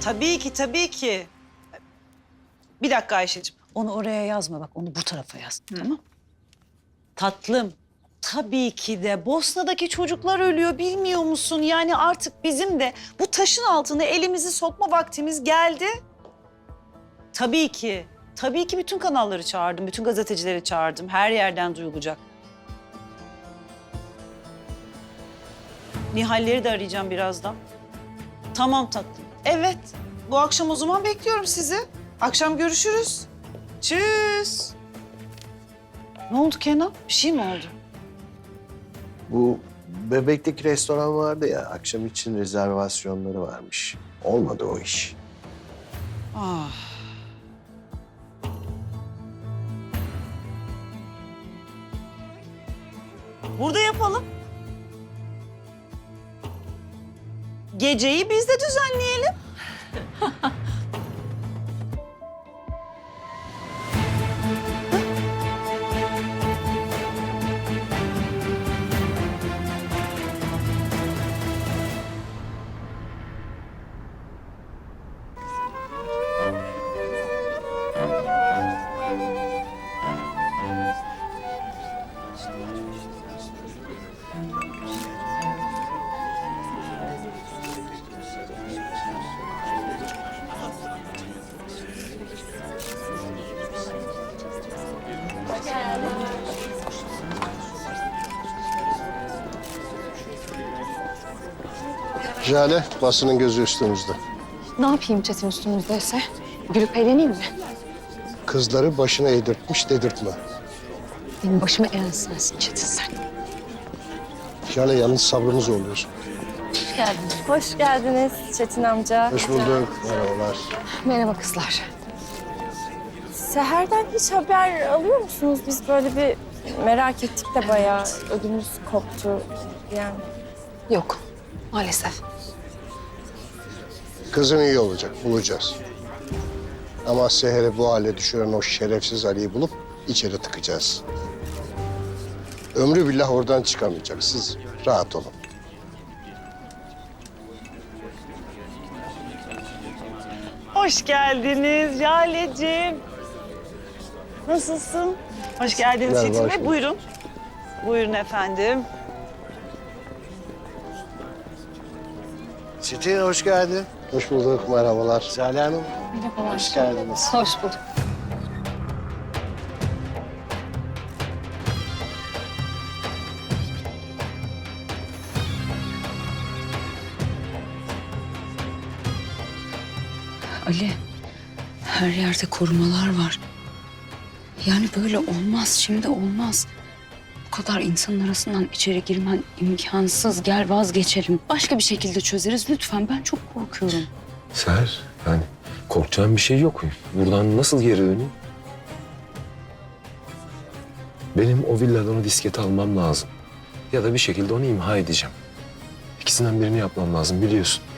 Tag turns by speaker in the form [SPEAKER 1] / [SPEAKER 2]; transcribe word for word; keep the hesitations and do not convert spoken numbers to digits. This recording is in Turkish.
[SPEAKER 1] Tabii ki, tabii ki. Bir dakika Ayşe'ciğim.
[SPEAKER 2] Onu oraya yazma bak, onu bu tarafa yaz. Hı. Tamam. Tatlım, tabii ki de Bosna'daki çocuklar ölüyor bilmiyor musun? Yani artık bizim de bu taşın altına elimizi sokma vaktimiz geldi. Tabii ki, tabii ki bütün kanalları çağırdım, bütün gazetecileri çağırdım. Her yerden duyulacak. Nihalleri de arayacağım birazdan. Tamam tatlım. Evet, bu akşam o zaman bekliyorum sizi. Akşam görüşürüz. Tschüss. Ne oldu Kenan? Bir şey mi oldu?
[SPEAKER 3] Bu Bebek'teki restoran vardı ya, akşam için rezervasyonları varmış. Olmadı o iş.
[SPEAKER 1] Ah. Burada yapalım. Geceyi biz de düzenleyelim.
[SPEAKER 3] Jale, basının gözü üstümüzde.
[SPEAKER 4] Ne yapayım Çetin üstümüzdeyse? Gülüp eğleneyim mi?
[SPEAKER 3] Kızları başına eğdirtmiş dedirtme.
[SPEAKER 4] Benim başıma eğen sensin Çetin sen.
[SPEAKER 3] Jale, yalnız sabrımı zorluyorsun.
[SPEAKER 4] Hoş geldiniz. Hoş geldiniz Çetin amca.
[SPEAKER 3] Hoş bulduk. Merhabalar.
[SPEAKER 4] Merhaba kızlar. Seher'den hiç haber alıyor musunuz? Biz böyle bir merak ettik de bayağı ödümüz koptu yani. Yok maalesef.
[SPEAKER 3] Kızın iyi olacak, bulacağız. Ama Seher'i bu hale düşüren o şerefsiz Ali'yi bulup içeri tıkacağız. Ömrü billah oradan çıkamayacak. Siz rahat olun.
[SPEAKER 1] Hoş geldiniz Jale'ciğim. Nasılsın? Hoş geldiniz
[SPEAKER 3] Merhaba,
[SPEAKER 1] Çetin
[SPEAKER 3] hoş
[SPEAKER 1] Bey.
[SPEAKER 3] bulduk.
[SPEAKER 1] Buyurun. Buyurun efendim.
[SPEAKER 3] Çetin, hoş geldin. Hoş bulduk, merhabalar. Jale Hanım.
[SPEAKER 4] Merhabalar.
[SPEAKER 3] Hoş geldiniz.
[SPEAKER 4] Hoş bulduk.
[SPEAKER 2] Ali, her yerde korumalar var. Yani böyle olmaz, şimdi olmaz. Bu kadar insanın arasından içeri girmen imkansız. Gel vazgeçelim. Başka bir şekilde çözeriz lütfen. Ben çok korkuyorum.
[SPEAKER 5] Seher, yani korkacağım bir şey yok. Buradan nasıl geri döneyim? Benim o villadan o disketi almam lazım. Ya da bir şekilde onu imha edeceğim. İkisinden birini yapmam lazım biliyorsun.